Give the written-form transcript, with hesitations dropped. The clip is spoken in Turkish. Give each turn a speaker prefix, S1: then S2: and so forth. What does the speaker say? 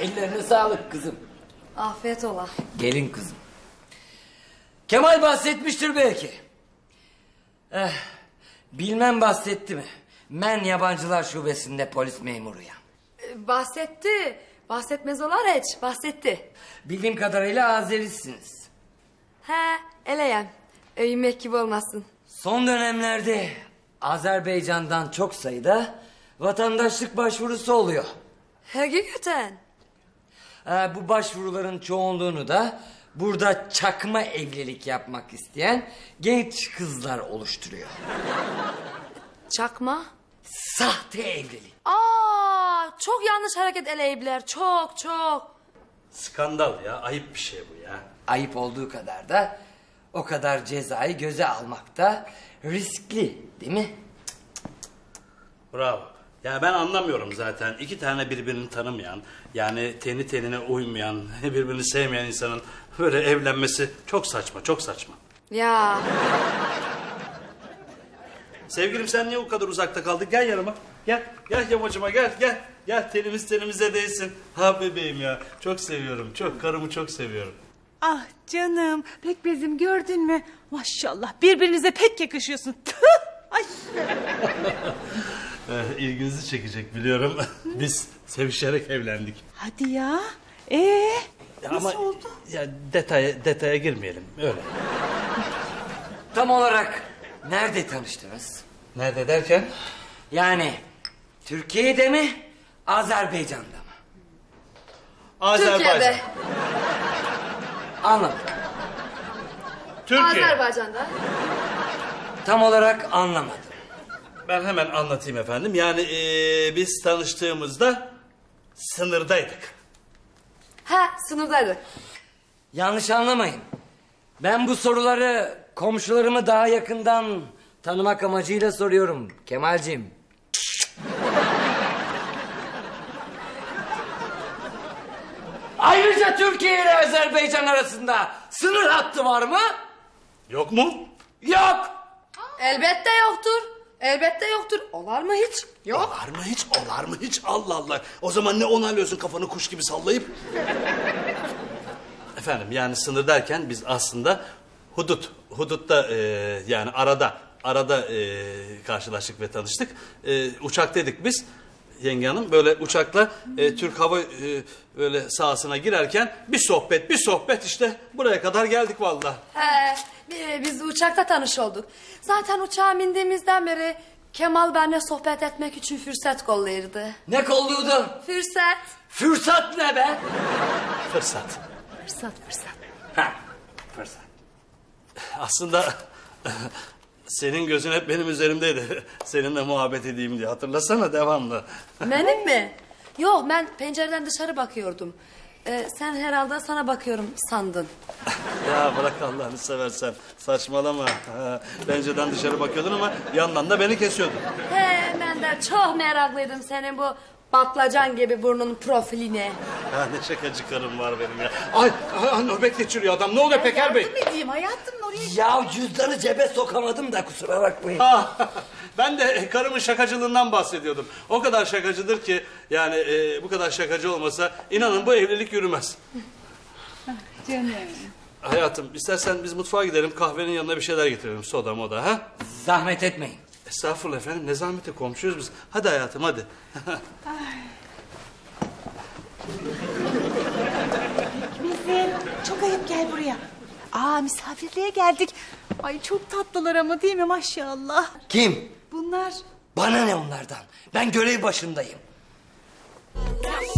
S1: Ellerine sağlık kızım.
S2: Afiyet ola.
S1: Gelin kızım. Kemal bahsetmiştir belki. Bilmem bahsetti mi? Ben yabancılar şubesinde polis memuruyum.
S2: Bahsetti. Bahsetmez olar hiç. Bahsetti.
S1: Bildiğim kadarıyla Azerisiniz.
S2: He, eleyem. Öymek gibi olmasın.
S1: Son dönemlerde Azerbaycan'dan çok sayıda vatandaşlık başvurusu oluyor.
S2: Hakikaten.
S1: Bu başvuruların çoğunluğunu da burada çakma evlilik yapmak isteyen genç kızlar oluşturuyor.
S2: Çakma.
S1: Sahte evlilik.
S2: Çok yanlış hareket eleyipler. Çok çok.
S3: Skandal ya, ayıp bir şey bu ya.
S1: Ayıp olduğu kadar da o kadar cezayı göze almak da riskli değil mi?
S3: Bravo. Ya ben anlamıyorum zaten. İki tane birbirini tanımayan, yani teni tenine uymayan, birbirini sevmeyen insanın böyle evlenmesi çok saçma, çok saçma.
S2: Ya.
S3: Sevgilim sen niye o kadar uzakta kaldın? Gel yanıma. Gel, gel yamacıma gel, gel. Gel tenimiz tenimize değsin. Ha bebeğim ya. Çok seviyorum, çok. Karımı çok seviyorum.
S4: Ah canım, pekmezim gördün mü? Maşallah birbirinize pek yakışıyorsun. Tüh! Ay.
S3: İlginizi çekecek biliyorum. Biz sevişerek evlendik.
S4: Hadi ya. Nasıl
S3: Ama
S4: oldu?
S3: ya detaya girmeyelim. Öyle.
S1: Tam olarak nerede tanıştınız?
S3: Nerede derken?
S1: Yani Türkiye'de mi, Azerbaycan'da mı?
S3: Azerbaycan.
S2: Türkiye'de.
S1: Anladım.
S3: Türkiye.
S2: Azerbaycan'da.
S1: Tam olarak anlamadım.
S3: Ben hemen anlatayım efendim. Yani biz tanıştığımızda sınırdaydık.
S2: Ha, sınırdaydık.
S1: Yanlış anlamayın. Ben bu soruları komşularımı daha yakından tanımak amacıyla soruyorum Kemalciğim. Ayrıca Türkiye ile Azerbaycan arasında sınır hattı var mı?
S3: Yok mu?
S1: Yok.
S2: Elbette yoktur. Elbette yoktur. Olar mı hiç? Yok.
S3: Olar mı hiç? Olar mı hiç? Allah Allah. O zaman ne onaylıyorsun kafanı kuş gibi sallayıp? Efendim yani sınır derken biz aslında hudutta yani arada karşılaştık ve tanıştık. Uçaktaydık biz. Yenge hanım böyle uçakla Türk Hava böyle sahasına girerken bir sohbet işte buraya kadar geldik vallahi.
S2: He, biz uçakta tanış olduk. Zaten uçağa bindiğimizden beri Kemal benimle sohbet etmek için fırsat kollayırdı.
S1: Ne kolluyordu?
S2: Fırsat.
S1: Fırsat ne be?
S3: Fırsat.
S2: Fırsat.
S1: Ha, fırsat.
S3: Aslında senin gözün hep benim üzerimdeydi. Seninle muhabbet edeyim diye. Hatırlasana devamlı.
S2: Benim mi? Yok, ben pencereden dışarı bakıyordum. Sen herhalde sana bakıyorum sandın.
S3: Ya bırak Allah'ını seversen. Saçmalama. Ha, pencereden dışarı bakıyordun ama yandan da beni kesiyordun.
S2: He, ben de çok meraklıydım senin bu patlıcan gibi burnun profiline.
S3: Ha, ne şakacı karım var benim ya. Ay nöbet geçiriyor adam. Ne oluyor Peker Bey?
S4: Ne diyeyim hayatım oraya...
S1: Ya cüzdanı cebe sokamadım da kusura bakmayın.
S3: Ben de karımın şakacılığından bahsediyordum. O kadar şakacıdır ki yani bu kadar şakacı olmasa inanın bu evlilik yürümez.
S4: Canım.
S3: Hayatım istersen biz mutfağa gidelim kahvenin yanına bir şeyler getirelim soda moda ha?
S1: Zahmet etmeyin.
S3: Estağfurullah efendim ne zahmeti komşuyuz biz. Hadi hayatım hadi.
S4: Pekmezim çok ayıp gel buraya. Misafirliğe geldik. Ay çok tatlılar ama değil mi maşallah.
S1: Kim?
S4: Bunlar...
S1: Bana ne onlardan? Ben görev başındayım.